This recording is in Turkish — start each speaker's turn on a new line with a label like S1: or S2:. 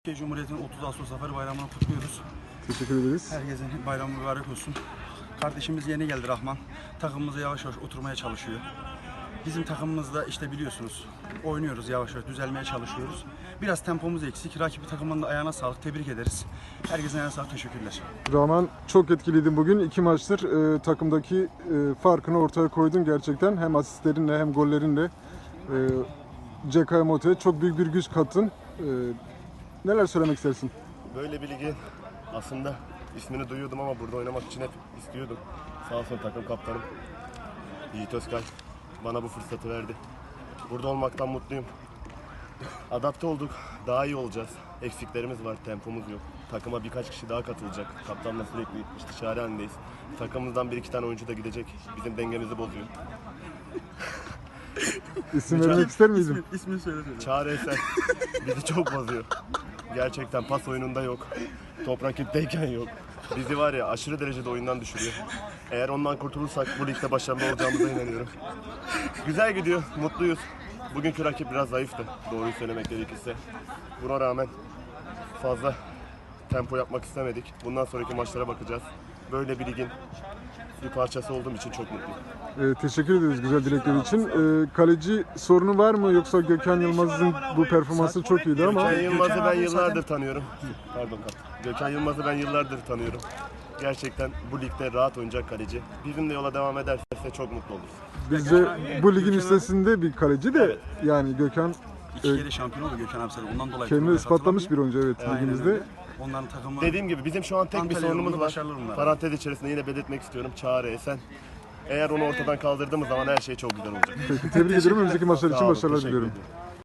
S1: Türkiye Cumhuriyeti'nin 30 Ağustos Zafer Bayramı'nı kutluyoruz.
S2: Teşekkür ederiz.
S1: Herkesin bayramı mübarek olsun. Kardeşimiz yeni geldi Rahman. Takımımıza yavaş yavaş oturmaya çalışıyor. Bizim takımımızda işte biliyorsunuz oynuyoruz yavaş yavaş, düzelmeye çalışıyoruz. Biraz tempomuz eksik. Rakibi takımının da ayağına sağlık. Tebrik ederiz. Herkesin ayağına sağlık. Teşekkürler.
S2: Rahman, çok etkileydin bugün. 2 maçtır takımdaki farkını ortaya koydun gerçekten. Hem asistlerinle hem gollerinle. CK Moto'ya çok büyük bir güç kattın. Neler söylemek istersin?
S3: Böyle bir ligin aslında ismini duyuyordum ama burada oynamak için hep istiyordum. Sağ olsun takım kaptanım Yiğit Özkay bana bu fırsatı verdi. Burada olmaktan mutluyum. Adapte olduk, daha iyi olacağız. Eksiklerimiz var, tempomuz yok. Takıma birkaç kişi daha katılacak. Kaptanla sürekli istişare halindeyiz. Takımımızdan 1-2 tane oyuncu da gidecek. Bizim dengemizi bozuyor.
S2: İsim vermek ister miydin?
S1: İsmini söyle.
S3: Çağrı Eser bizi çok bozuyor. Gerçekten pas oyununda yok. Top rakipteyken yok. Bizi var ya aşırı derecede oyundan düşürüyor. Eğer ondan kurtulursak bu ligde başarılı olacağımıza inanıyorum. Güzel gidiyor, mutluyuz. Bugünkü rakip biraz zayıftı, doğruyu söylemek gerekirse. Buna rağmen fazla tempo yapmak istemedik. Bundan sonraki maçlara bakacağız. Böyle bir ligin bir parçası olduğum için çok mutluyum.
S2: Teşekkür ederiz güzel dilekler için. Kaleci sorunu var mı, yoksa Gökhan Yılmaz'ın bu performansı çok iyiydi ama
S3: Gökhan Yılmaz'ı ben
S1: abi
S3: yıllardır
S1: zaten-
S3: tanıyorum. Pardon kaptan. Gökhan Yılmaz'ı ben yıllardır tanıyorum. Gerçekten bu ligde rahat oynayacak kaleci. Bizimle yola devam ederse çok mutlu oluruz.
S2: bizce bu ligin üstesinde bir kaleci de,
S3: Evet.
S2: yani Gökhan
S1: 2 kere şampiyon oldu Gökhan abi sen. Ondan dolayı.
S2: kendini
S1: forvet
S2: ispatlamış bir
S1: hatırlamıyor.
S2: oyuncu, evet,
S1: Aynen
S2: ligimizde.
S1: öyle. Onların takımı
S3: Dediğim gibi bizim şu an tek bir
S1: Antalya
S3: sorunumuz
S1: yolunda
S3: var.
S1: başarılı bunlar.
S3: Parantez içerisinde yine belirtmek istiyorum. Çağrı Esen. Eğer onu ortadan kaldırdığımız zaman her şey çok güzel olacak.
S2: Peki, tebrik ederim. Önümüzdeki maçlar
S3: Sağ
S2: için
S3: olun,
S2: başarılar
S3: teşekkür
S2: diliyorum.
S3: ederim.